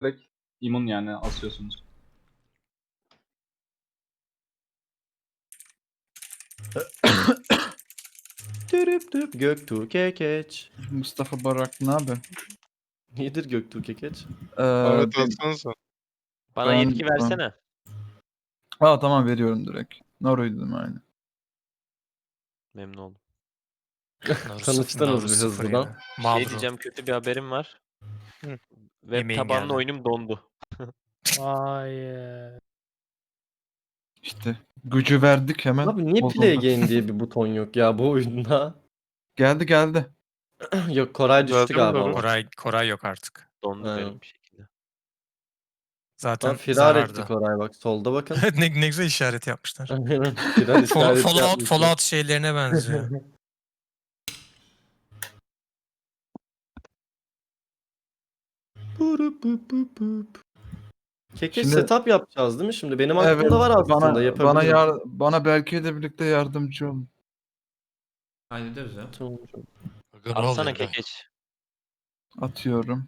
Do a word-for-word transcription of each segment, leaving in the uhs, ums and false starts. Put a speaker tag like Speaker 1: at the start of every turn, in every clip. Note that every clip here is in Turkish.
Speaker 1: Direkt immün yani asıyorsunuz.
Speaker 2: Dürüp düp Göktuğ Kekeç.
Speaker 3: Mustafa Barak ne abi?
Speaker 2: Nedir Göktuğ Kekeç?
Speaker 3: Ee,
Speaker 4: Ahmet
Speaker 3: ben,
Speaker 4: alsanıza.
Speaker 5: Bana
Speaker 3: ben-
Speaker 5: yetki versene.
Speaker 3: Aa tamam veriyorum direkt. Naru'ydum aynı.
Speaker 5: Memnun oldum.
Speaker 2: Tanıştınız bir hızlıdan.
Speaker 5: Şey diyeceğim, kötü bir haberim var.
Speaker 4: Hı.
Speaker 5: Web
Speaker 6: Yemeğin
Speaker 5: tabanlı
Speaker 6: geldi.
Speaker 5: oyunum dondu.
Speaker 7: Hayır.
Speaker 3: İşte gücü verdik hemen.
Speaker 2: Abi niye
Speaker 3: bozuldu.
Speaker 2: play again diye bir buton yok ya bu oyunda?
Speaker 3: Geldi geldi.
Speaker 2: Yok Koray düştü
Speaker 4: Zaten
Speaker 2: galiba.
Speaker 4: doğru.
Speaker 2: ama.
Speaker 6: Koray Koray yok artık.
Speaker 5: Dondu
Speaker 2: Ha.
Speaker 5: garip bir şekilde.
Speaker 6: Zaten
Speaker 2: Lan firar
Speaker 6: zarardı.
Speaker 2: etti Koray bak solda bakın.
Speaker 6: ne, ne güzel işaret yapmışlar.
Speaker 2: Aynen, firar
Speaker 6: Fall-
Speaker 2: işareti
Speaker 6: Fallout,
Speaker 2: yapmışlar.
Speaker 6: Fallout şeylerine benziyor.
Speaker 2: Burup bup bup bup. Kekeç
Speaker 3: Şimdi-
Speaker 2: setup yapacağız değil mi şimdi? Benim aklımda
Speaker 3: Evet,
Speaker 2: var aslında
Speaker 3: bana,
Speaker 2: yapabilirim.
Speaker 3: bana, yar, bana Berke ile birlikte yardımcı olun.
Speaker 8: Hallederiz ya.
Speaker 2: Tamam.
Speaker 5: Atsana kekeç.
Speaker 3: Atıyorum.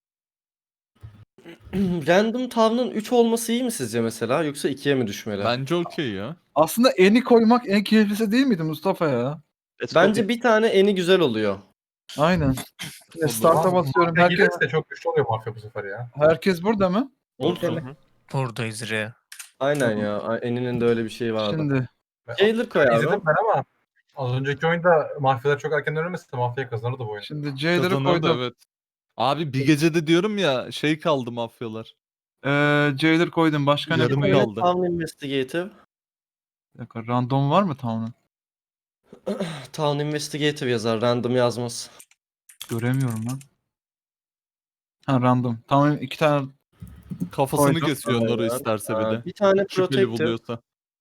Speaker 2: Random Town'un üç olması iyi mi sizce mesela yoksa ikiye mi düşmeli?
Speaker 9: Bence okey ya.
Speaker 3: Aslında eni koymak en keyiflisi değil miydi Mustafa ya?
Speaker 5: Let's go
Speaker 2: Bence bir tane eni güzel oluyor.
Speaker 3: Aynen. Ya Start'a basıyorum.
Speaker 1: Herkes
Speaker 3: Herkes,
Speaker 1: de çok güçlü oluyor mafya bu sefer ya.
Speaker 3: herkes burada mı?
Speaker 5: Olsun.
Speaker 6: Buradayız re.
Speaker 2: Aynen ya. Eni'nin de öyle bir şeyi vardı.
Speaker 3: Şimdi
Speaker 2: Jailer koy abi.
Speaker 1: İzledim ben ama az önceki oyunda mafyalar çok erken ölmese mafya kazanırdı bu oyun.
Speaker 3: şimdi Jailer'ı
Speaker 9: Kazanır da
Speaker 3: koydum.
Speaker 9: evet. Abi bir gecede diyorum ya şey kaldı mafyalar.
Speaker 3: Ee, Jailer koydum. Başka ne
Speaker 9: Yarım
Speaker 3: koyayım?
Speaker 9: kaldı.
Speaker 2: Town Investigative.
Speaker 3: Bir dakika, random var mı Town'un?
Speaker 2: Town Investigative yazar. Random yazmaz.
Speaker 3: Göremiyorum lan. Ha random. Tamam iki tane
Speaker 9: Kafasını
Speaker 3: Koydum.
Speaker 9: kesiyor Noro
Speaker 2: Aynen.
Speaker 9: isterse
Speaker 2: Aa,
Speaker 9: bir de.
Speaker 2: bir tane
Speaker 9: Şüpheli
Speaker 2: Protective.
Speaker 9: buluyorsa.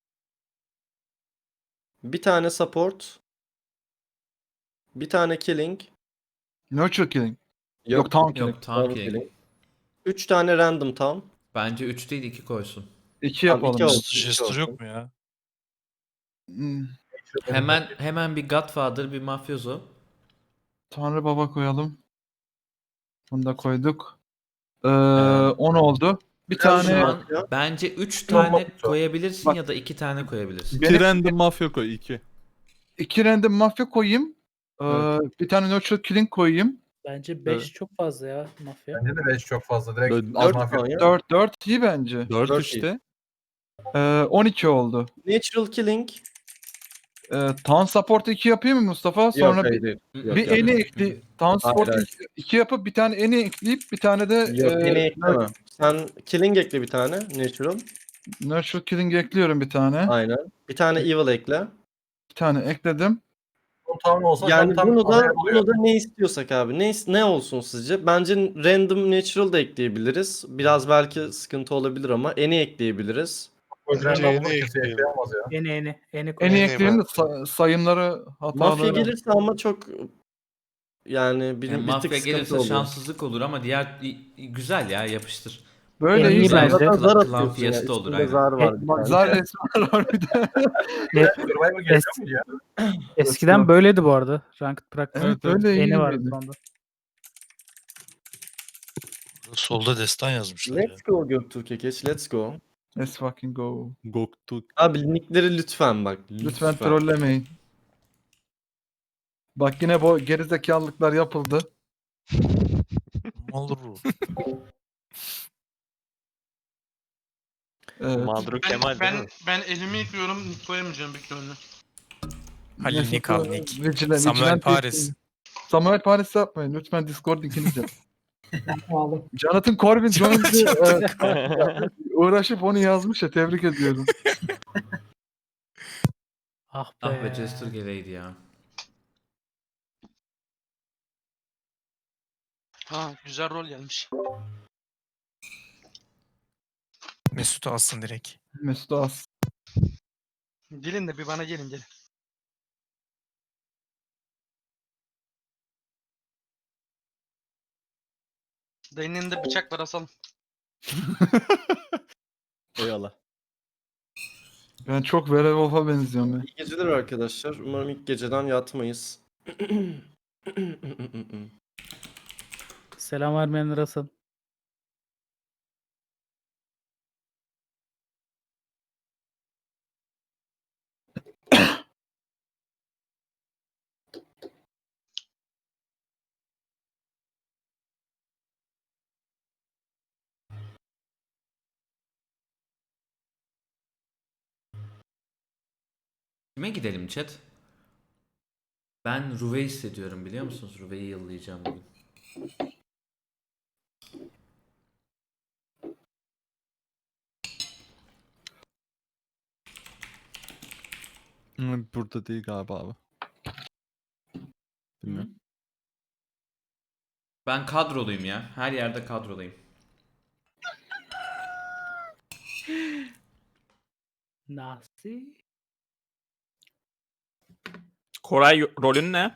Speaker 2: Bir tane Support. Bir tane Killing.
Speaker 3: nurture killing. Yok, Town killing.
Speaker 8: Yok tam ki.
Speaker 2: Üç tane Random Town.
Speaker 8: Bence üç değil iki koysun.
Speaker 3: İki
Speaker 2: Tamam,
Speaker 3: yapalım.
Speaker 2: iki olsun, iki
Speaker 4: Jester
Speaker 2: olsun.
Speaker 4: yok mu ya?
Speaker 3: Hmm,
Speaker 8: Hemen hemen bir Godfather, bir mafyozo.
Speaker 3: Tanrı Baba koyalım. Bunu da koyduk. Ee,
Speaker 8: Evet.
Speaker 3: on oldu. Bir
Speaker 2: Biraz
Speaker 8: Şu
Speaker 3: tane
Speaker 2: daha-
Speaker 8: an
Speaker 2: ya.
Speaker 8: bence üç
Speaker 1: Yok,
Speaker 8: tane
Speaker 1: yok.
Speaker 8: koyabilirsin
Speaker 3: Bak.
Speaker 8: ya da iki tane koyabilirsin.
Speaker 3: Benim-
Speaker 9: İki random mafya koy iki.
Speaker 3: iki random mafya koyayım. Ee,
Speaker 9: Evet.
Speaker 3: Bir tane nurture killing koyayım.
Speaker 7: Bence beş
Speaker 9: Evet.
Speaker 7: çok fazla ya mafya.
Speaker 1: Bence de beş çok fazla. Direkt
Speaker 9: Dört-
Speaker 1: az
Speaker 2: Dört
Speaker 1: mafya.
Speaker 2: Town ya.
Speaker 3: dört dört iyi bence.
Speaker 9: Dört
Speaker 2: Dört
Speaker 9: işte.
Speaker 3: Ee, on iki oldu.
Speaker 2: Natural Killing.
Speaker 3: Ee, Town support iki yapayım mı Mustafa? Sonra
Speaker 2: Yok,
Speaker 3: bir,
Speaker 2: hayır, değil. Yok,
Speaker 3: bir
Speaker 2: yok.
Speaker 3: eni ekli. Town support
Speaker 2: hayır.
Speaker 3: iki yapıp bir tane eni ekleyip bir tane de
Speaker 2: Yok,
Speaker 3: e,
Speaker 2: eni ekleme. Sen Killing ekle bir tane. Natural.
Speaker 3: nurture killing ekliyorum bir tane.
Speaker 2: Aynen. Bir tane Evil ekle.
Speaker 3: Bir tane ekledim.
Speaker 1: Bu tam olsa
Speaker 2: Yani
Speaker 1: tam
Speaker 2: bunu da
Speaker 1: adaya oluyor.
Speaker 2: bunu da ne istiyorsak abi. Ne is- ne olsun sizce? Bence random natural da ekleyebiliriz. Biraz belki sıkıntı olabilir ama eni ekleyebiliriz.
Speaker 1: O yüzden
Speaker 4: Bence
Speaker 1: ben
Speaker 4: en
Speaker 1: bunu
Speaker 4: iyi
Speaker 1: kimse
Speaker 4: ekleyelim.
Speaker 1: ekleyemez ya.
Speaker 7: Eni eni. Eni
Speaker 3: En
Speaker 7: koy.
Speaker 3: iyi
Speaker 4: Eni
Speaker 3: ekleyelim de
Speaker 4: ben-
Speaker 3: sa- sayımları hatalı.
Speaker 2: Mafya gelirse ama çok yani bir,
Speaker 8: Yani
Speaker 2: bir
Speaker 8: mafya
Speaker 2: tık sıkıntı
Speaker 8: gelirse
Speaker 2: oluyor.
Speaker 8: şanssızlık olur ama diğer güzel ya, yapıştır.
Speaker 3: Böyle
Speaker 7: En iyi
Speaker 3: iyi
Speaker 8: Güzel.
Speaker 7: bence.
Speaker 2: Zaten zar
Speaker 8: Klan
Speaker 2: atıyorsun ya.
Speaker 8: fiyatı olur,
Speaker 2: Üstünde
Speaker 8: aynen.
Speaker 2: zar var bir
Speaker 3: Bak
Speaker 2: tane.
Speaker 3: zar resmi var bir de.
Speaker 1: Survivor geliyor mu ya?
Speaker 7: Eskiden böyleydi bu arada. Ranked Practice.
Speaker 3: Evet öyle iyi
Speaker 7: Eni vardı
Speaker 3: miydi?
Speaker 7: sonunda.
Speaker 4: Solda destan yazmışlar ya.
Speaker 2: Let's go Göktuğ Kekeç. Let's go.
Speaker 3: Let's fucking go.
Speaker 9: Goktuk.
Speaker 2: Abi nickleri lütfen bak.
Speaker 3: Lütfen,
Speaker 2: Lütfen.
Speaker 3: trollemeyin. Bak yine bu gerizekalılıklar yapıldı.
Speaker 4: Olur bu.
Speaker 3: Evet.
Speaker 5: Mağduru Kemal değil
Speaker 10: ben,
Speaker 5: mi?
Speaker 10: ben elimi yıkıyorum, koyamayacağım büyük ihtimalle.
Speaker 6: Halil
Speaker 3: Neyse,
Speaker 6: Nick al Nick.
Speaker 3: Vigila-
Speaker 6: Samuel
Speaker 3: Vigilante-
Speaker 6: Paris.
Speaker 3: Samuel Paris yapmayın. Lütfen Discord linkini de. Jonathan Corbin Jones'u e, uğraşıp onu yazmış ya, tebrik ediyorum.
Speaker 7: Ah be.
Speaker 8: Ah be, Jester geleydi ya.
Speaker 10: Ha, güzel rol gelmiş.
Speaker 6: Mesut'u alsın direkt.
Speaker 3: Mesut As.
Speaker 10: Gelin de bir bana gelin gelin. Dayının elinde bıçak var, asalım.
Speaker 2: Eyvallah.
Speaker 3: Ben çok Werewolf'a benziyorum ben.
Speaker 2: İyi geceler arkadaşlar. Umarım ilk geceden yatmayız.
Speaker 7: Selam vermeyenler asıl.
Speaker 8: Kime gidelim chat? Ben Ruve hissediyorum biliyor musunuz? Ruve'yi yıllayacağım bugün.
Speaker 9: Hı, burada değil galiba abi. Bilmiyorum.
Speaker 8: Ben kadroluyum ya. Her yerde kadroluyum.
Speaker 7: Nasıl?
Speaker 11: Koray rolün ne?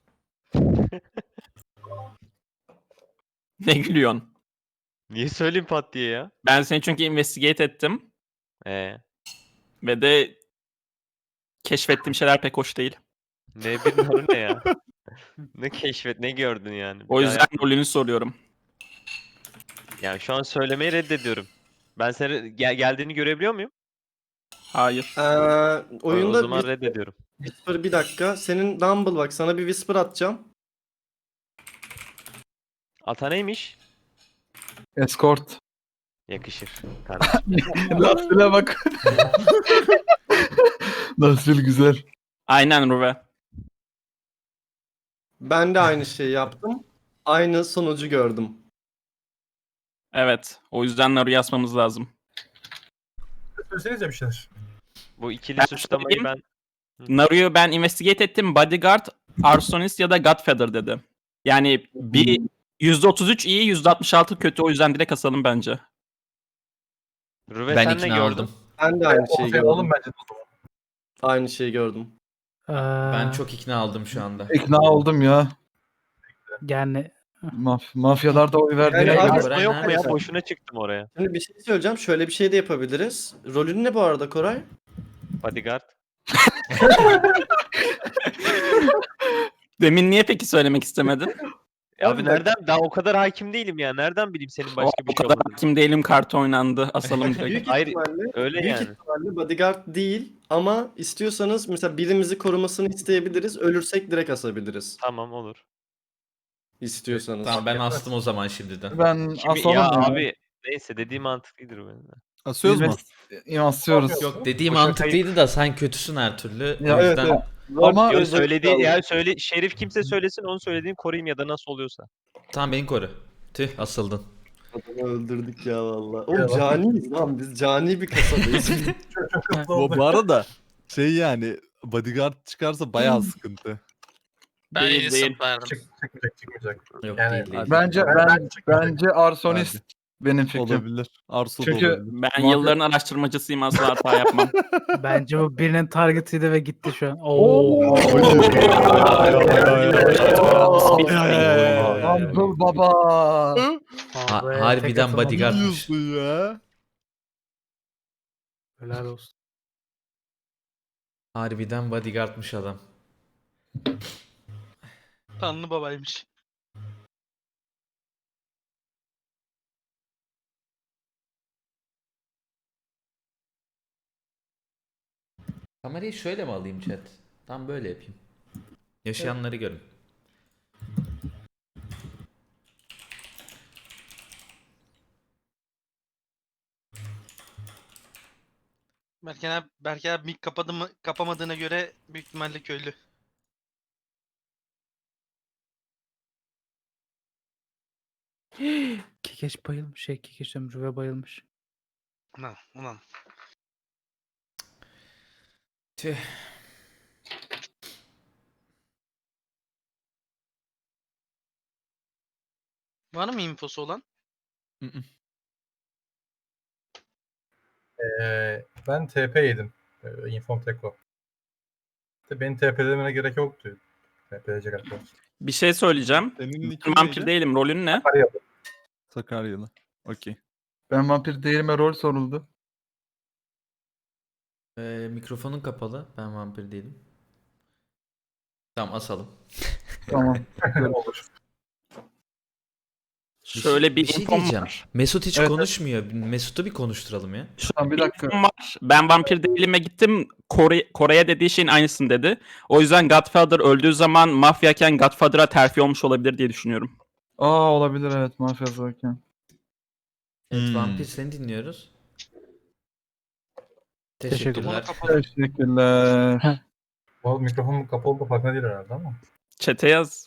Speaker 11: Ne gülüyorsun?
Speaker 5: Niye söyleyeyim pat diye ya?
Speaker 11: Ben seni çünkü investigate ettim
Speaker 5: Ee,
Speaker 11: ve de keşfettiğim şeyler pek hoş değil.
Speaker 5: ne bir numara ne ya? Ne keşfet, ne gördün yani? Bir
Speaker 11: O
Speaker 5: daha
Speaker 11: yüzden
Speaker 5: yap.
Speaker 11: rolünü soruyorum.
Speaker 5: Yani şu an söylemeyi reddediyorum. Ben seni gel- geldiğini görebiliyor muyum?
Speaker 11: Hayır.
Speaker 2: Ee,
Speaker 5: O
Speaker 2: oyunda
Speaker 5: zaman
Speaker 2: Whisper,
Speaker 5: reddediyorum.
Speaker 2: Whisper bir dakika. Senin Dumble bak sana bir Whisper atacağım.
Speaker 5: Ata neymiş?
Speaker 3: Escort.
Speaker 5: Yakışır kardeşim.
Speaker 3: Nasıl'a bak. Nasıl güzel.
Speaker 11: Aynen Ruve.
Speaker 2: Ben de aynı şeyi yaptım. Aynı sonucu gördüm.
Speaker 11: Evet. O yüzden Naru'yu asmamız lazım.
Speaker 1: Söylesenize bir şeyler.
Speaker 5: Bu ikili
Speaker 11: Ben
Speaker 5: suçlamayı
Speaker 11: söyleyeyim.
Speaker 5: ben...
Speaker 11: Naru'yu ben investigate ettim. Bodyguard, Arsonist ya da Godfather dedi. Yani bir yüzde otuz üç iyi, yüzde altmış altı kötü. O yüzden direkt asalım bence.
Speaker 5: Rüve
Speaker 8: Ben
Speaker 5: sen ne
Speaker 8: ikna
Speaker 5: gördün?
Speaker 8: oldum.
Speaker 2: Ben de aynı şeyi
Speaker 1: Ortaya
Speaker 2: gördüm.
Speaker 1: alalım bence de o zaman.
Speaker 2: Aynı şeyi gördüm.
Speaker 7: Ee,
Speaker 8: Ben çok ikna oldum şu anda.
Speaker 3: İkna oldum ya.
Speaker 7: Yani
Speaker 3: Maf mafyalar da oy verdi.
Speaker 2: Yani
Speaker 3: ya.
Speaker 2: abi-
Speaker 5: Asma yok mu ya?
Speaker 2: neredeyse.
Speaker 5: Boşuna çıktım oraya.
Speaker 2: Şimdi bir şey söyleyeceğim. Şöyle bir şey de yapabiliriz. Rolün ne bu arada Koray?
Speaker 5: Bodyguard.
Speaker 11: Demin niye peki söylemek istemedin?
Speaker 5: Abi nereden? Daha o kadar hakim değilim ya. Nereden bileyim senin
Speaker 11: O,
Speaker 5: başka
Speaker 11: o
Speaker 5: bir şey
Speaker 11: kadar
Speaker 5: olduğunu?
Speaker 11: hakim değilim, kartı oynandı. Asalım direkt.
Speaker 2: Büyük
Speaker 5: Hayır,
Speaker 2: ihtimalle,
Speaker 5: Öyle
Speaker 2: büyük
Speaker 5: yani.
Speaker 2: ihtimalle bodyguard değil ama istiyorsanız mesela birimizi korumasını isteyebiliriz. Ölürsek direkt asabiliriz.
Speaker 5: Tamam olur.
Speaker 2: İstiyorsanız.
Speaker 8: Tamam ben astım o zaman şimdiden.
Speaker 3: Ben
Speaker 5: Kimi,
Speaker 3: asalım
Speaker 5: ya
Speaker 3: ya.
Speaker 5: abi neyse dediğim mantıklıdır benim de.
Speaker 9: Asıyoruz mu?
Speaker 3: Biz asıyoruz.
Speaker 8: Yok dediğim
Speaker 5: Bu şakayı-
Speaker 8: mantıklıydı da sen kötüsün her türlü.
Speaker 3: Ya
Speaker 8: o
Speaker 3: evet,
Speaker 8: yüzden
Speaker 3: evet. Ama
Speaker 5: Yok söylediği yani söyle Şerif kimse söylesin onu söylediğim koruyayım ya da nasıl oluyorsa.
Speaker 8: tamam beni koru. Tüh asıldın.
Speaker 2: Adamı öldürdük ya valla. Oğlum caniyiz lan biz. Cani bir kasadayız.
Speaker 1: Çok çok hızlı
Speaker 9: Bu,
Speaker 1: oldu.
Speaker 9: bu arada şey yani bodyguard çıkarsa bayağı sıkıntı.
Speaker 11: Ben değil, değil.
Speaker 1: Çık, çıkmayacak çıkmayacak.
Speaker 8: Yok
Speaker 1: Yani-
Speaker 8: değil değil.
Speaker 3: bence
Speaker 1: Ben-
Speaker 3: ben,
Speaker 1: ben çıkmayacak.
Speaker 3: bence arsonist benim fikrim.
Speaker 9: Olabilir. Arso
Speaker 3: Çünkü-
Speaker 9: da olabilir.
Speaker 11: Ben
Speaker 3: Muhabbet-
Speaker 11: yılların araştırmacısıyım, asla hata yapmam.
Speaker 7: bence bu birinin targetıydı ve gitti şu an. Oo.
Speaker 3: Abdul Baba.
Speaker 8: Ha-
Speaker 7: Abi,
Speaker 8: harbiden
Speaker 7: tek atamadım.
Speaker 8: bodyguard.
Speaker 9: Diyorsun ya.
Speaker 7: Helal olsun.
Speaker 8: Harbiden bodyguardmış adam.
Speaker 10: Tanrı babaymış.
Speaker 8: Kamerayı şöyle mi alayım chat? Tam böyle yapayım. Yaşayanları görün.
Speaker 10: Berken abi, Berken abi mic kapadı mı, kapamadığına göre büyük ihtimalle köylü.
Speaker 7: Kekeç bayılmış. Şey Kekeç diyorum, Rüve bayılmış.
Speaker 10: Ulan ulan.
Speaker 8: Tüh.
Speaker 10: Var mı infosu olan?
Speaker 1: Ee, ben T P yedim. Ee, Infom Teko. İşte benim T P'lemene gerek yoktu. T P'leyecek arkadaş.
Speaker 11: Bir şey söyleyeceğim.
Speaker 9: Senin
Speaker 11: Ben
Speaker 9: nickin
Speaker 11: vampir
Speaker 9: neydi?
Speaker 11: değilim. Rolün ne?
Speaker 1: Sakaryalı.
Speaker 9: Sakaryalı. Okey.
Speaker 3: Ben vampir değilime rol soruldu.
Speaker 8: Ee, mikrofonun kapalı. Ben vampir değilim. Tamam asalım.
Speaker 3: Tamam.
Speaker 1: Olur.
Speaker 11: Şöyle bir,
Speaker 8: bir şey
Speaker 11: infom
Speaker 8: diyeceğim.
Speaker 11: var.
Speaker 8: Mesut hiç
Speaker 3: Evet,
Speaker 8: konuşmuyor. Mesut'u bir konuşturalım ya.
Speaker 3: Şu an bir
Speaker 11: Bir
Speaker 3: dakika.
Speaker 11: infom var. Ben vampir değilime gittim. Kore, Kore'ye dediği şeyin aynısını dedi. O yüzden Godfather öldüğü zaman mafyayken Godfather'a terfi olmuş olabilir diye düşünüyorum.
Speaker 3: Aa olabilir evet mafya zaten.
Speaker 8: Evet
Speaker 9: Hmm.
Speaker 8: vampir seni dinliyoruz.
Speaker 7: Teşekkürler.
Speaker 8: Teşekkürler.
Speaker 10: Kapalı.
Speaker 3: Teşekkürler.
Speaker 1: Bu mikrofonun kapalı olduğu farkında değil herhalde ama.
Speaker 11: Çete yaz.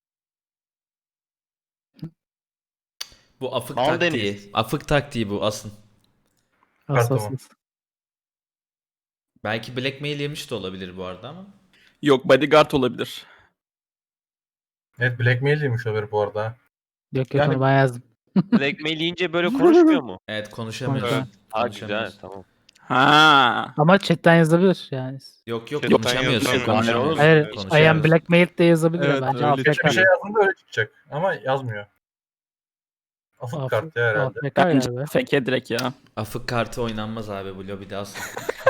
Speaker 8: Bu afık
Speaker 5: Mal
Speaker 8: taktiği.
Speaker 5: Deniz.
Speaker 8: Afık taktiği bu asın.
Speaker 7: Hassasız.
Speaker 8: Belki blackmail yemiş de olabilir bu arada ama.
Speaker 11: Yok bodyguard olabilir.
Speaker 1: Evet Blackmail'iymiş o haberi bu arada.
Speaker 7: Yok yok
Speaker 3: Yani-
Speaker 7: onu ben yazdım.
Speaker 5: Blackmail yiyince böyle konuşmuyor mu?
Speaker 8: Evet konuşamıyorsun.
Speaker 7: Evet.
Speaker 5: Ha güzel
Speaker 8: Konuşamıyorsun.
Speaker 5: tamam.
Speaker 11: Ha.
Speaker 7: Ama chatten yazabilir yani.
Speaker 8: Yok yok
Speaker 4: Chatten
Speaker 8: konuşamıyorsun.
Speaker 4: yazamıyor.
Speaker 8: konuşamıyorsun.
Speaker 7: Hayır, I
Speaker 8: konuşamıyorsun.
Speaker 7: am blackmailed de yazabilir.
Speaker 9: Evet,
Speaker 7: Bence
Speaker 9: öyle
Speaker 7: A F K.
Speaker 1: Bir şey yazdığında öyle çıkacak ama yazmıyor. Afık
Speaker 7: Afık-
Speaker 1: kart ya herhalde.
Speaker 7: A F K
Speaker 11: Bence
Speaker 7: galiba.
Speaker 11: fake direkt ya.
Speaker 8: Afık kartı oynanmaz abi bu lobide asın.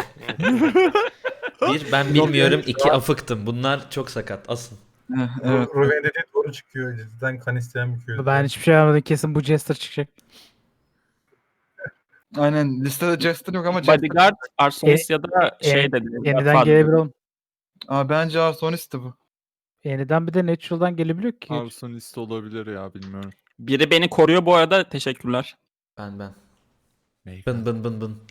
Speaker 8: Bir ben bilmiyorum, iki afıktım. Bunlar çok sakat asın.
Speaker 3: Eh, evet.
Speaker 1: Ruven dediği doğru çıkıyor. Cidden kan isteyen bir köy.
Speaker 7: Ben hiçbir şey yapmadım. Kesin bu Jester çıkacak.
Speaker 3: Aynen listede Jester yok ama Jester.
Speaker 11: Bodyguard, Arsonist ya da
Speaker 7: e-
Speaker 11: şey dedi.
Speaker 7: Yeniden
Speaker 11: Godfather.
Speaker 7: gelebilir oğlum.
Speaker 3: Aa, bence Arsonist'ti bu.
Speaker 7: Yeniden bir de Natural'dan gelebiliyor ki.
Speaker 9: Arsonist olabilir ya bilmiyorum.
Speaker 11: Biri beni koruyor bu arada. Teşekkürler.
Speaker 8: Ben ben. Bın bın bın bın.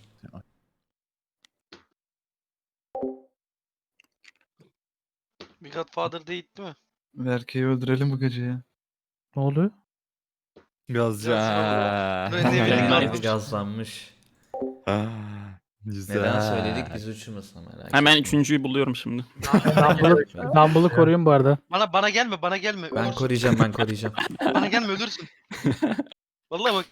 Speaker 10: Bir Godfather değil değil mi?
Speaker 3: Berke'yi öldürelim bu gece ya.
Speaker 7: Ne oluyor?
Speaker 9: Gazca.
Speaker 10: Ben ne bileyim,
Speaker 8: Ay,
Speaker 10: ben-
Speaker 8: gazlanmış.
Speaker 9: Güzel.
Speaker 8: Neden söyledik biz uçurmasın merak
Speaker 11: Hemen
Speaker 8: etme.
Speaker 11: üçüncüyü buluyorum şimdi.
Speaker 7: Dumble'ı Dumble'ı koruyun bu arada.
Speaker 10: Bana bana gelme bana gelme.
Speaker 8: Ben
Speaker 10: ölürsün.
Speaker 8: koruyacağım ben koruyacağım.
Speaker 10: Bana gelme ölürsün. Vallahi bak.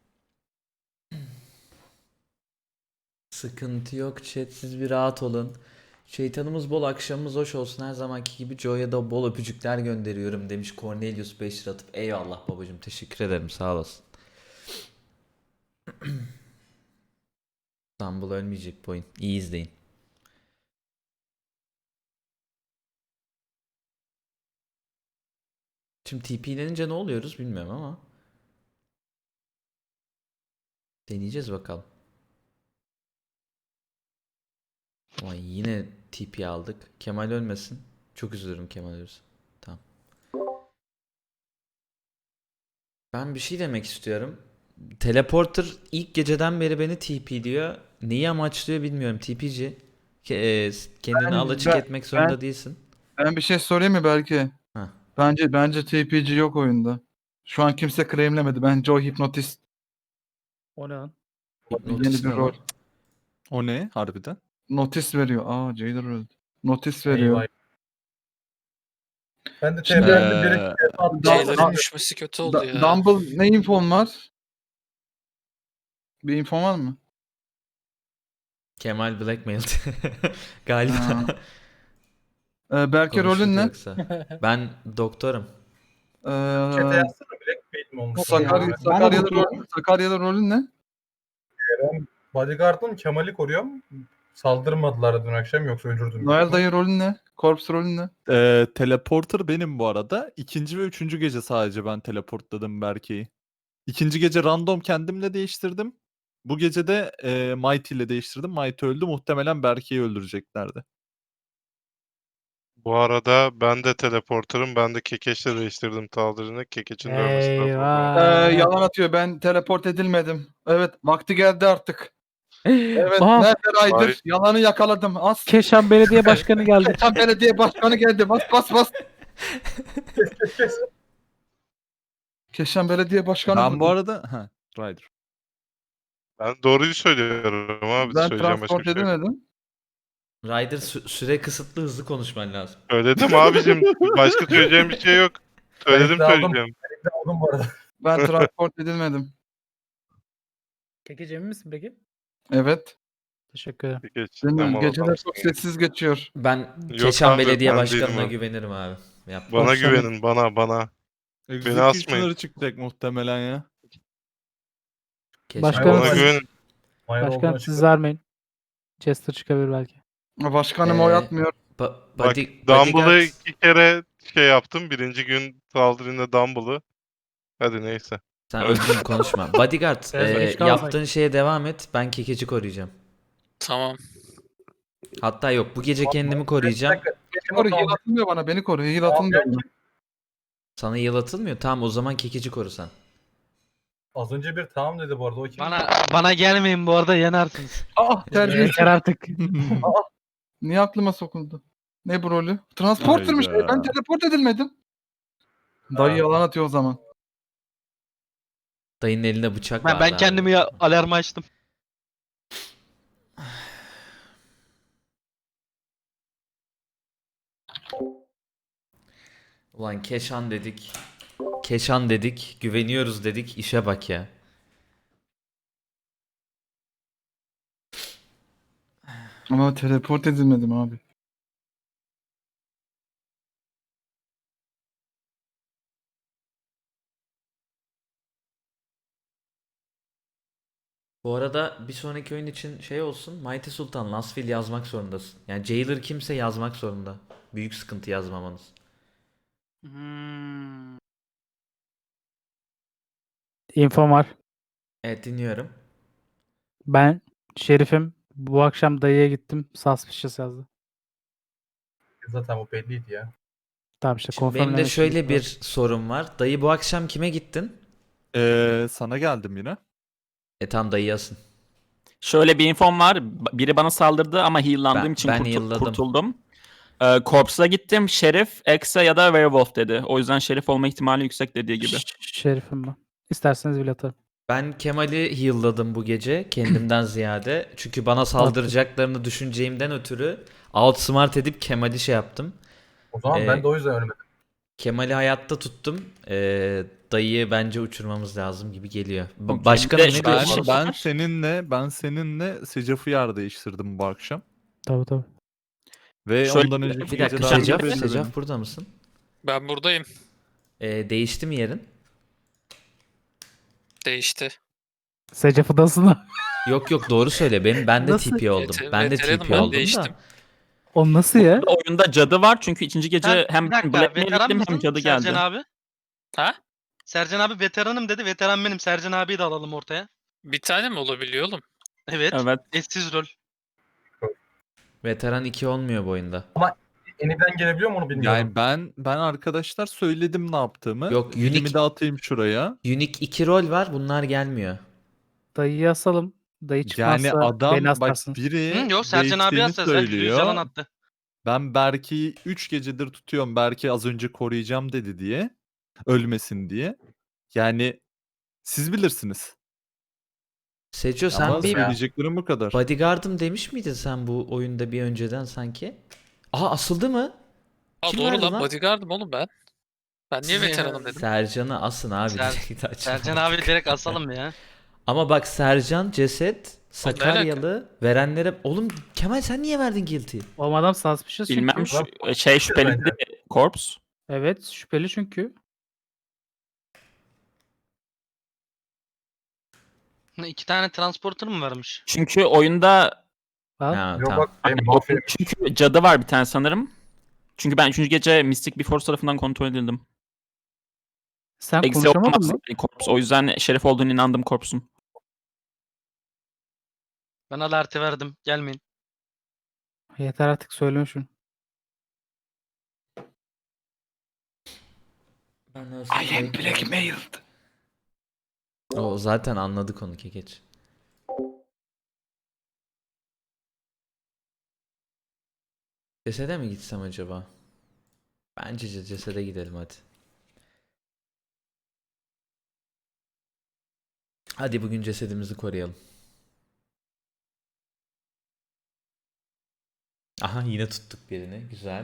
Speaker 8: Sıkıntı yok chat, siz bir rahat olun. Şeytanımız bol, akşamımız hoş olsun. Her zamanki gibi Joe'ya da bol öpücükler gönderiyorum demiş Cornelius beş lira atıp. Eyvallah babacım, teşekkür ederim, sağ olasın. İstanbul ölmeyecek bu oyun. İyi izleyin. Şimdi T P'lenince ne oluyoruz bilmiyorum ama. Deneyeceğiz bakalım. Vay yine T P aldık. Kemal ölmesin. Çok üzülürüm Kemal ölürse. Tamam. Ben bir şey demek istiyorum. Teleporter ilk geceden beri beni T P diyor. Neyi amaçlıyor bilmiyorum. T P'ci. Ke- e, kendini
Speaker 3: Ben-
Speaker 8: alaçık
Speaker 3: ben-
Speaker 8: etmek zorunda
Speaker 3: ben-
Speaker 8: değilsin.
Speaker 3: Ben bir şey sorayım mı Berke?
Speaker 8: Heh.
Speaker 3: Bence bence T P G yok oyunda. Şu an kimse claimlemedi. Bence o hipnotist.
Speaker 7: O ne lan?
Speaker 8: Hipnotist
Speaker 3: Yeni bir
Speaker 8: ne
Speaker 3: rol.
Speaker 8: lan?
Speaker 9: O ne harbiden?
Speaker 3: Notis veriyor. Aa Jailer öldü. Notis veriyor.
Speaker 1: Eyvah. Ben de
Speaker 3: Şimdi-
Speaker 1: T P'de bir
Speaker 9: Ee,
Speaker 1: iki attım.
Speaker 3: Jailer'ın
Speaker 6: düşmesi kötü
Speaker 3: Da- Dumble ne infon var? Bir infon var mı?
Speaker 8: Kemal blackmailed. Galiba.
Speaker 3: Ha. Ee, Berke
Speaker 8: Konuştuk
Speaker 3: rolün ne?
Speaker 8: yoksa. Ben doktorum.
Speaker 3: Ee,
Speaker 1: Chat'e yazsana Blackmail mi olmuş?
Speaker 3: Sakarya,
Speaker 1: Yani.
Speaker 3: Sakarya'da, rolün, Sakarya'da rolün ne?
Speaker 1: Bodyguard'ım Kemal'i koruyorum. Saldırmadılar dün akşam yoksa öldürdüm.
Speaker 3: Noel dayı rolün ne? Corpse rolün ne?
Speaker 9: Ee, teleporter benim bu arada. İkinci ve üçüncü gece sadece ben teleportladım Berke'yi. İkinci gece random kendimle değiştirdim. Bu gece de e, Mighty ile değiştirdim. Mighty öldü. Muhtemelen Berke'yi öldüreceklerdi.
Speaker 4: Bu arada ben de teleporterım. Ben de Kekeç'le değiştirdim Taldir'ini. Kekeç'in dövmesinden sonra.
Speaker 7: Eyvah.
Speaker 3: Ee, yalan atıyor. Ben teleport edilmedim. Evet, vakti geldi artık. Evet,
Speaker 7: Aa,
Speaker 3: nerede Ryder?
Speaker 4: Hayır.
Speaker 3: Yalanı yakaladım. As.
Speaker 7: Keşan Belediye Başkanı geldi.
Speaker 3: Keşan Belediye Başkanı geldi. Bas bas bas.
Speaker 1: Kes kes kes.
Speaker 3: Keşan Belediye Başkanı
Speaker 9: Ben
Speaker 3: vurdu.
Speaker 9: bu arada... Ha, Ryder.
Speaker 4: Ben doğruyu söylüyorum abi.
Speaker 3: Ben
Speaker 4: Söyleyeceğim başka
Speaker 3: transport
Speaker 4: bir şey yok.
Speaker 3: edemedim.
Speaker 8: Ryder sü- süre kısıtlı, hızlı konuşman lazım.
Speaker 4: Söyledim abicim. Başka söyleyeceğim bir şey yok. Söyledim
Speaker 1: Ben aldım.
Speaker 4: söyleyeceğim.
Speaker 1: Ne oldum bu arada?
Speaker 3: Ben transport edilmedim.
Speaker 7: Kekeci emin misin peki?
Speaker 3: Evet.
Speaker 7: Teşekkür ederim.
Speaker 4: Kekeç.
Speaker 3: Bilmiyorum.
Speaker 4: Tamam,
Speaker 3: Geceler
Speaker 4: adamsın
Speaker 3: çok
Speaker 4: ya.
Speaker 3: sessiz geçiyor.
Speaker 8: Ben
Speaker 4: Yok
Speaker 8: Keşan
Speaker 4: abi,
Speaker 8: Belediye
Speaker 4: ben
Speaker 8: Başkanı'na
Speaker 4: değilim abi.
Speaker 8: güvenirim abi. Yap.
Speaker 4: Bana
Speaker 7: Başkanım.
Speaker 4: güvenin. Bana bana.
Speaker 9: Executioner
Speaker 4: asmayın.
Speaker 9: çıkacak muhtemelen ya.
Speaker 8: Keşan
Speaker 7: Başkanım,
Speaker 4: Bana
Speaker 7: siz-
Speaker 8: Belediye-
Speaker 4: güvenin.
Speaker 1: Mayra
Speaker 7: Başkan
Speaker 1: olduğunu
Speaker 7: siz
Speaker 1: açıkladı.
Speaker 7: vermeyin. Chester çıkabilir belki.
Speaker 3: Başkanım
Speaker 8: Ee,
Speaker 3: oy atmıyor.
Speaker 8: Ba-
Speaker 4: Bak
Speaker 8: body-
Speaker 4: Dumble'ı
Speaker 8: bodyguard-
Speaker 4: iki kere şey yaptım. Birinci gün saldırında Dumble'ı. Hadi neyse.
Speaker 8: Sen öldün konuşma. Bodyguard
Speaker 7: Evet,
Speaker 8: e,
Speaker 7: hiç kalmasak.
Speaker 8: yaptığın şeye devam et. Ben Kekeci koruyacağım.
Speaker 6: Tamam.
Speaker 8: Hatta yok, bu gece kendimi koruyacağım.
Speaker 3: Koru, heal atılmıyor bana. Beni koru. Heal atılmıyor bana.
Speaker 8: Sana yıl atılmıyor. Tamam o zaman Kekeci koru sen.
Speaker 1: Az önce bir tamam dedi bu arada. O kim?
Speaker 10: Bana bana gelmeyin bu arada yanarsınız.
Speaker 3: Ah terbiyesiz.
Speaker 7: Yeter artık.
Speaker 3: Niye aklıma sokuldu? Ne bu rolü? Transporter'mış.
Speaker 9: Hayda.
Speaker 3: Ben teleport edilmedim. Dayı
Speaker 1: Ha.
Speaker 3: yalan atıyor o zaman.
Speaker 8: Dayının elinde bıçak
Speaker 10: Ben,
Speaker 8: vardı
Speaker 10: ben
Speaker 8: abi.
Speaker 10: kendimi ya, alarmı açtım.
Speaker 8: Ulan Keşan dedik. Keşan dedik. Güveniyoruz dedik. İşe bak ya.
Speaker 3: Ama teleport edilmedim abi.
Speaker 8: Bu arada bir sonraki oyun için şey olsun. Mighty Sultan Last Will yazmak zorundasın. Yani Jailer kimse yazmak zorunda. Büyük sıkıntı yazmamanız.
Speaker 10: Hmm.
Speaker 7: Infom var.
Speaker 8: Evet dinliyorum.
Speaker 7: Ben Şerif'im. Bu akşam dayıya gittim. Suspicious yazdı.
Speaker 1: Zaten bu belliydi ya.
Speaker 7: Tamam işte
Speaker 8: Şimdi benim de
Speaker 7: confirmlemek için
Speaker 8: şöyle
Speaker 7: gittim.
Speaker 8: bir sorum var. Dayı bu akşam kime gittin?
Speaker 9: Ee, sana geldim yine.
Speaker 8: E tam dayı yazsın.
Speaker 11: Şöyle bir infom var. B- Biri bana saldırdı ama heal'landığım
Speaker 8: Ben-
Speaker 11: için
Speaker 8: ben
Speaker 11: kurtul-
Speaker 8: heal'ladım.
Speaker 11: kurtuldum. Ee, Corpse'a gittim. Şerif, Exe ya da Werewolf dedi. O yüzden Şerif olma ihtimali yüksek dediği gibi.
Speaker 7: Ş- Şerif'im ben. İsterseniz bile atarım.
Speaker 8: Ben Kemal'i heal'ladım bu gece kendimden ziyade. Çünkü bana saldıracaklarını düşüneceğimden ötürü outsmart edip Kemal'i şey yaptım.
Speaker 1: O zaman
Speaker 8: Ee,
Speaker 1: ben de o yüzden ölmedim.
Speaker 8: Kemal'i hayatta tuttum. Ee, dayıyı bence uçurmamız lazım gibi geliyor. Ba-
Speaker 11: Okey,
Speaker 8: Başkanım
Speaker 11: bir de
Speaker 8: ne
Speaker 11: şöyle-
Speaker 9: Ben,
Speaker 8: diyorsun?
Speaker 9: ben seninle ben seninle Secaf'ı yer değiştirdim bu akşam.
Speaker 7: Tabii tabii.
Speaker 9: Ve
Speaker 11: Şöyle-
Speaker 9: ondan önceki
Speaker 8: Bir dakika
Speaker 9: gece daha
Speaker 8: Secaf,
Speaker 9: belli benim.
Speaker 8: Secaf burada mısın?
Speaker 6: Ben buradayım.
Speaker 8: Ee, değişti mi yerin?
Speaker 6: Değişti.
Speaker 7: Secaf'ıdasın.
Speaker 8: Yok yok doğru söyle. Benim ben de
Speaker 7: Nasıl?
Speaker 8: T P oldum.
Speaker 6: Veter-
Speaker 8: Ben de
Speaker 6: veteranım,
Speaker 8: T P
Speaker 6: ben
Speaker 8: oldum
Speaker 6: değiştim.
Speaker 8: da.
Speaker 7: O nasıl ya?
Speaker 11: Oyunda cadı var çünkü ikinci gece
Speaker 10: Sen,
Speaker 11: hem
Speaker 10: bir dakika,
Speaker 11: Blackmail
Speaker 10: veteran
Speaker 11: gittim
Speaker 10: mısın
Speaker 11: hem cadı geldi.
Speaker 10: Sercan abi?
Speaker 6: Ha?
Speaker 10: Sercan abi veteranım dedi. Veteran benim. Sercan abiyi de alalım ortaya.
Speaker 6: Bir tane mi olabiliyor oğlum?
Speaker 10: Evet.
Speaker 11: Evet.
Speaker 10: Eşsiz rol.
Speaker 8: Veteran iki olmuyor bu oyunda.
Speaker 1: Eniden gelebiliyor mu onu bilmiyorum.
Speaker 9: Yani ben ben arkadaşlar söyledim ne yaptığımı.
Speaker 8: Yok,
Speaker 9: Bilimi
Speaker 8: unique-
Speaker 9: de atayım şuraya.
Speaker 8: Unique iki rol var. Bunlar gelmiyor.
Speaker 7: Dayıyı asalım. Dayı çıkmazsa
Speaker 9: Yani adam
Speaker 7: beni
Speaker 9: bak
Speaker 7: asarsın.
Speaker 9: biri
Speaker 10: Hı, yok Sercan abi
Speaker 9: değiştiğini
Speaker 10: yazsa. Sercan yüz yalan
Speaker 9: söylüyor.
Speaker 10: attı.
Speaker 9: Ben Berke'yi üç gecedir tutuyorum. Berke az önce koruyacağım dedi diye. Ölmesin diye. Yani siz bilirsiniz.
Speaker 8: Seco sen
Speaker 9: Ama
Speaker 8: bir
Speaker 9: söyleyeceklerim bu kadar.
Speaker 8: bodyguard'ım demiş miydin sen bu oyunda bir önceden sanki? Aha asıldı mı?
Speaker 6: Aa,
Speaker 8: Kim
Speaker 6: doğru
Speaker 8: verdi
Speaker 6: lan,
Speaker 8: lan?
Speaker 6: bodyguard'ım oğlum ben. Ben niye
Speaker 10: Size-
Speaker 6: veteranım dedim.
Speaker 8: Sercan'ı asın abi.
Speaker 10: Ser-
Speaker 8: direkt açın.
Speaker 10: Sercan abi direkt asalım ya.
Speaker 8: Ama bak Sercan, Ceset,
Speaker 6: Oğlum ne alaka?
Speaker 8: Sakaryalı verenlere... Oğlum Kemal sen niye verdin guilty?
Speaker 7: O adam suspicious
Speaker 11: Bilmem
Speaker 7: çünkü.
Speaker 11: şu, şey şüpheliydi Corpse.
Speaker 7: Evet şüpheli çünkü.
Speaker 10: İki tane transporter mı varmış?
Speaker 11: Çünkü oyunda
Speaker 7: Al.
Speaker 8: Ha,
Speaker 1: Yok
Speaker 8: tamam.
Speaker 1: bak benim mafya.
Speaker 11: çünkü cadı var bir tane sanırım. Çünkü ben üçüncü gece Mystic Before tarafından kontrol edildim.
Speaker 7: Sen
Speaker 11: Eksi
Speaker 7: konuşamadın
Speaker 11: olamaz
Speaker 7: mı?
Speaker 11: Corpse. O yüzden Şerif olduğunu inandım Corpse'un.
Speaker 10: Ben alerti verdim. Gelmeyin.
Speaker 7: Yeter artık söyleme şunu.
Speaker 8: I am blackmailed. O zaten anladık onu Kekeç. Cesede mi gitsem acaba? Bence ce- cesede gidelim hadi. Hadi bugün cesedimizi koruyalım. Aha yine tuttuk birini. Güzel.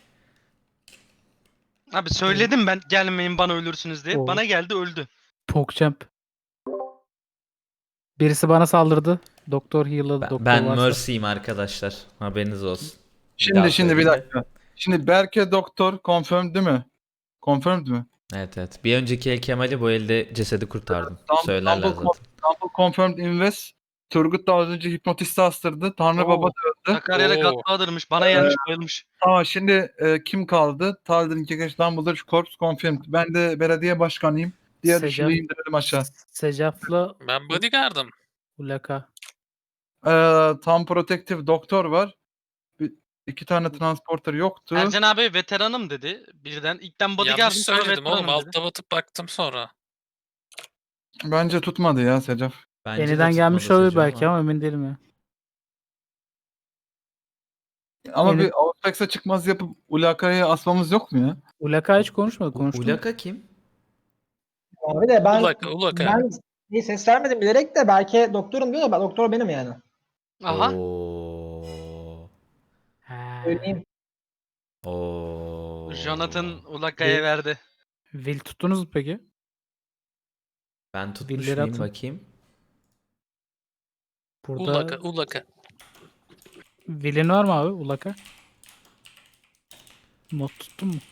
Speaker 10: Abi söyledim ben gelmeyin bana ölürsünüz diye.
Speaker 7: Oo.
Speaker 10: Bana geldi öldü.
Speaker 7: Pogchamp. Birisi bana saldırdı. Doktor heal'ladı.
Speaker 8: Ben,
Speaker 7: Doktor
Speaker 8: ben
Speaker 7: varsa.
Speaker 8: Mercy'yim arkadaşlar. Haberiniz olsun. Bir
Speaker 3: Şimdi
Speaker 8: daha
Speaker 3: şimdi bir
Speaker 8: söyleyeyim.
Speaker 3: dakika. Şimdi Berke doktor confirmed değil mi? Confirmed mi?
Speaker 8: Evet evet. Bir önceki el Kemal'i bu elde cesedi kurtardım.
Speaker 3: Dum-
Speaker 8: Söylerler
Speaker 3: Dumble,
Speaker 8: zaten.
Speaker 3: Dumble confirmed invest. Turgut da az önce hipnotisti astırdı. Tanrı
Speaker 10: Oo.
Speaker 3: Baba da öldü.
Speaker 10: Sakarya'da
Speaker 6: Oo.
Speaker 10: Godfather'mış. Bana gelmiş bayılmış.
Speaker 3: Tamam şimdi e, kim kaldı? Taldir'in Kekeç Dumbledore Corps confirmed. Ben de belediye başkanıyım. Diğer
Speaker 7: Secaf-
Speaker 3: üçünü indirelim aşağı.
Speaker 7: Secaf'la
Speaker 6: Ben bodyguard'ım.
Speaker 7: Ulaka.
Speaker 3: Ee, tam protective doktor var. Bir, iki tane transporter yoktu.
Speaker 10: Sercan abi veteranım dedi. Birden ilkten bodyguard'ım
Speaker 6: Yanlış
Speaker 10: sonra
Speaker 6: söyledim oğlum.
Speaker 10: veteranım dedi.
Speaker 6: Altta batıp baktım sonra.
Speaker 3: Bence tutmadı ya Secaf.
Speaker 8: Bence de
Speaker 7: Yeniden gelmiş
Speaker 8: tutmadı
Speaker 7: olabilir
Speaker 8: Seco
Speaker 7: belki ama emin değilim ya.
Speaker 3: Ama
Speaker 7: Yeni-
Speaker 3: bir Outback'e çıkmaz yapıp Ulaka'ya asmamız yok mu ya?
Speaker 7: Ulaka hiç konuşmadı. Konuştu. mu?
Speaker 8: Ulaka kim?
Speaker 12: Abi de ben
Speaker 6: Ulaka, Ulaka.
Speaker 12: ben iyi ses vermedim bilerek de belki doktorum diyor da ben doktor benim yani.
Speaker 10: Aha.
Speaker 8: Oo.
Speaker 7: Ha.
Speaker 12: Söyleyeyim.
Speaker 8: Oo.
Speaker 10: Jonathan Ulaka'ya verdi.
Speaker 7: Will tuttunuz mu peki?
Speaker 8: Ben tutmuş
Speaker 7: Billeri
Speaker 8: muyum
Speaker 7: atın.
Speaker 8: bakayım.
Speaker 7: Burada
Speaker 6: Ulaka, Ulaka.
Speaker 7: Will'in var mı abi Ulaka? Not tuttun mu?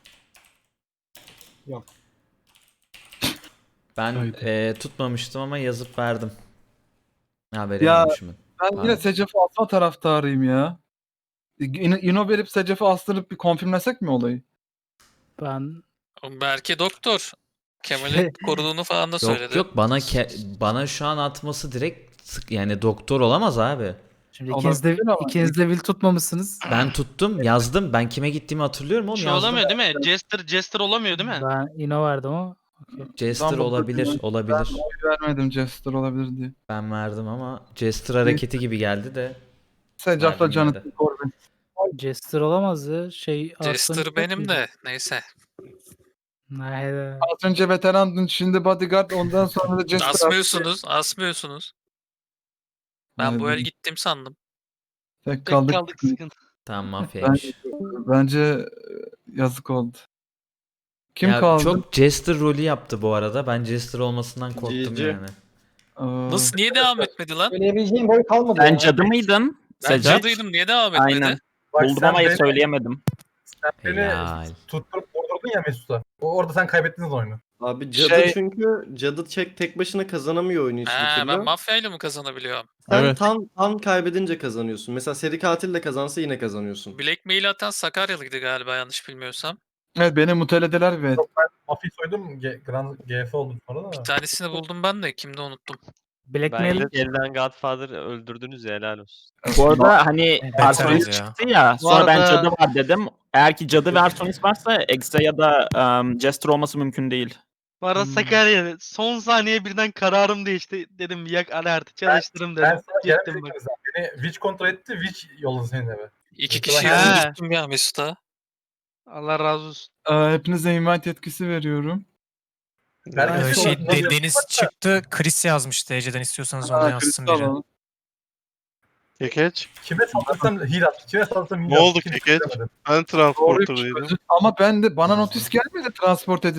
Speaker 8: Ben
Speaker 3: Haydi.
Speaker 8: eee, tutmamıştım ama yazıp verdim. Haberim
Speaker 3: Ya,
Speaker 8: olmuşum.
Speaker 3: Ben yine
Speaker 8: Pardon.
Speaker 3: Secef'i asma taraftarıyım ya. Yine Ino verip Secef'i astırıp bir konfirmlesek mi olayı?
Speaker 7: Ben
Speaker 6: Belki doktor. Kemal'i
Speaker 7: Şey-
Speaker 6: koruduğunu falan da
Speaker 8: Yok
Speaker 6: söyledi.
Speaker 8: yok bana ke- bana şu an atması direkt sık yani doktor olamaz abi.
Speaker 7: şimdi ikiniz de,
Speaker 3: Olabilir ama-
Speaker 7: ikiniz de Will tutmamışsınız.
Speaker 8: Ben tuttum, yazdım. Ben kime gittiğimi hatırlıyorum oğlum.
Speaker 10: Şey
Speaker 8: yazdım.
Speaker 10: olamıyor değil mi? Jester Jester olamıyor değil mi?
Speaker 7: Ben Ino verdim ama. okey.
Speaker 8: Jester
Speaker 3: Dumbledore
Speaker 8: olabilir,
Speaker 3: ben-
Speaker 8: olabilir.
Speaker 3: Ben oy vermedim Jester olabilir diye.
Speaker 8: Ben verdim ama Jester hareketi gibi geldi de.
Speaker 3: Secef'la
Speaker 8: Verdim
Speaker 3: Jonathan
Speaker 8: yine
Speaker 3: Corbin.
Speaker 7: Jester olamaz ya. Şey
Speaker 6: Jester
Speaker 7: Arslan
Speaker 6: benim
Speaker 7: yok
Speaker 6: de.
Speaker 7: muydu?
Speaker 6: Neyse.
Speaker 7: Hayda.
Speaker 3: Az önce veterandın, şimdi bodyguard, ondan sonra da Jester.
Speaker 6: Asmıyorsunuz. Asmıyorsunuz. Ben bu el
Speaker 3: Haydi.
Speaker 6: gittim sandım.
Speaker 3: Tek
Speaker 10: Tek
Speaker 3: kaldık.
Speaker 10: kaldık sıkıntı.
Speaker 8: Tamam mafyaymış.
Speaker 3: Bence e, yazık oldu. Kim
Speaker 8: Ya
Speaker 3: kaldı?
Speaker 8: çok Jester rolü yaptı bu arada. Ben Jester olmasından korktum
Speaker 2: Cici.
Speaker 8: yani.
Speaker 3: Aa,
Speaker 6: Nasıl niye devam etmedi lan?
Speaker 12: Söyleyebileceğim boy kalmadı
Speaker 11: Sen
Speaker 12: ya.
Speaker 11: cadı mıydın?
Speaker 6: Ben
Speaker 11: Secef?
Speaker 6: cadıydım niye devam etmedi?
Speaker 11: Aynen.
Speaker 1: Bak
Speaker 11: Buldum
Speaker 1: sen
Speaker 11: ama
Speaker 1: beni-
Speaker 11: söyleyemedim.
Speaker 1: Sen beni
Speaker 8: Helal.
Speaker 1: tutturup vurdurdun ya Mesut'a. O- Orada sen kaybettiniz oyunu.
Speaker 2: Abi cadı
Speaker 3: Şey-
Speaker 2: çünkü cadı tek, tek başına kazanamıyor oyunu hiçbir
Speaker 6: Ha,
Speaker 2: türlü.
Speaker 6: ben mafyayla mı kazanabiliyorum?
Speaker 2: Sen
Speaker 9: Evet.
Speaker 2: tam tam kaybedince kazanıyorsun. Mesela seri katil de kazansa yine kazanıyorsun.
Speaker 6: Blackmail atan Sakaryalıydı galiba yanlış bilmiyorsam.
Speaker 3: Evet, beni mutelediler ve
Speaker 1: Mafya soydum. G- Grand G F oldum sonra da.
Speaker 6: Bir tanesini buldum ben de kimde unuttum.
Speaker 7: Blackmail
Speaker 5: Bence elden Godfather öldürdünüz ya helal olsun.
Speaker 11: Bu arada hani
Speaker 6: Beter
Speaker 11: Arsonis
Speaker 6: ya.
Speaker 11: çıktı ya.
Speaker 10: Bu
Speaker 11: Sonra ben
Speaker 10: arada-
Speaker 11: cadı var dedim. Eğer ki cadı ve Arsonis varsa Exe ya da um, Jester olması mümkün değil.
Speaker 10: Bu arada
Speaker 7: Hmm.
Speaker 10: Sakarya son saniye birden kararım değişti. Dedim yak alerti çalıştırım
Speaker 1: Ben
Speaker 10: dedim.
Speaker 1: sana
Speaker 10: Gittim
Speaker 1: gelmedim
Speaker 10: bak.
Speaker 1: ikimiz. Beni Witch kontrol etti. Witch yolladı senin eve.
Speaker 6: İki
Speaker 1: He.
Speaker 6: kişiyi öldürttüm ya Mesut'a.
Speaker 10: Allah razı olsun.
Speaker 3: e, hepinize invite yetkisi veriyorum.
Speaker 1: Ben
Speaker 3: Ee,
Speaker 1: Mesut'u
Speaker 3: şey,
Speaker 1: nasıl yapayım?
Speaker 13: Deniz çıktı. Chris yazmıştı. Ece'den istiyorsanız onu
Speaker 3: Ha,
Speaker 13: yazsın
Speaker 3: kristal
Speaker 13: biri.
Speaker 3: alalım.
Speaker 4: Kekeç.
Speaker 1: Kime saldırsam heal attı. Kime saldırsam heal
Speaker 4: Ne
Speaker 1: attı.
Speaker 4: oldu
Speaker 1: Kimse
Speaker 4: Kekeç?
Speaker 1: bilemedim.
Speaker 4: Ben
Speaker 3: Doğru,
Speaker 4: transporterdaydım.
Speaker 3: ama ben de bana notis gelmedi transport edin